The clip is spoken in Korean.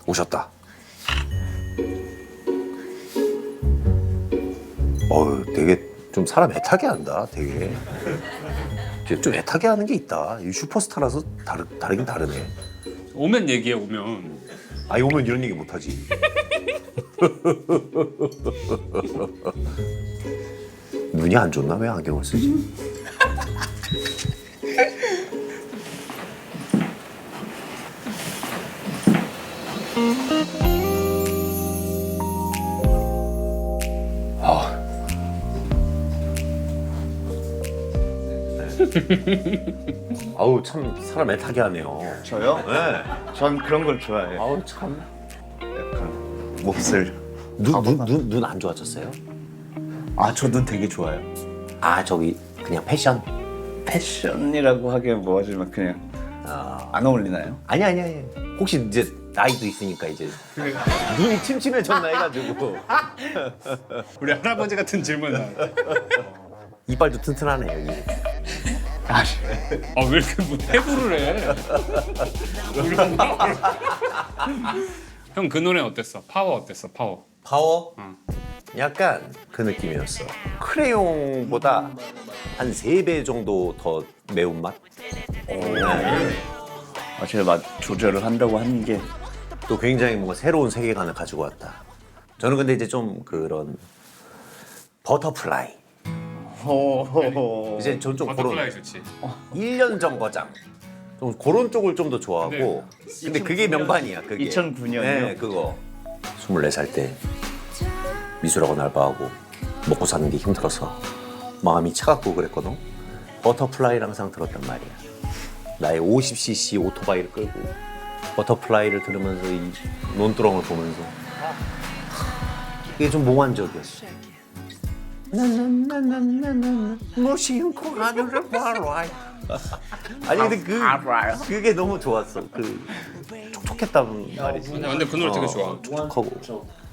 오셨다. 어우, 되게 좀 사람 애타게 한다. 되게 좀 애타게 하는 게 있다. 이 슈퍼스타라서 다르긴 다르네. 오면 얘기해 오면. 아이 오면 이런 얘기 못하지. 눈이 안 좋나? 왜 안경을 쓰지? 아우 참 사람 애타게 하네요. 저요? 네. 전 그런 걸 좋아해요. 아우 참. 약간 몹쓸. 눈 안 좋아졌어요? 아, 저 눈 되게 좋아요. 아 저기 그냥 패션? 패션이라고 하기엔 뭐하지만 그냥 안 어울리나요? 아니. 혹시 이제 나이도 있으니까 이제 눈이 침침해졌나 해가지고 우리 할아버지 같은 질문 나왔다. 이빨도 튼튼하네 여기. 왜 이렇게 뭐 해부를 해? 형 그 노래 어땠어? 파워 어땠어? 파워. 파워? 약간 그 느낌이었어. 크레용보다 한 3배 정도 더 매운맛? 제가 맛 조절을 한다고 하는 게 또 굉장히 뭔가 새로운 세계관을 가지고 왔다. 저는 근데 이제 좀 그런 버터플라이. 이제 전 좀 그런 버터플라이 좋지. 1년 정거장. 좀 그런 쪽을 좀 더 좋아하고. 근데 그게 명반이야. 그게. 2009년 이요? 네, 그거. 24살 때 미술학원 알바하고 먹고 사는 게 힘들어서 마음이 차갑고 그랬거든. 버터플라이를 항상 들었단 말이야. 나의 50cc 오토바이를 끌고 버터플라이를 들으면서 이 논두렁을 보면서 이게 좀 몽환적이었어. 나나나나나나 무심코 하늘을 바라봐. 아니 근데 그게 너무 좋았어. 그 촉촉했단 말이지. 근데 그 노래 되게 좋아. 촉촉하고.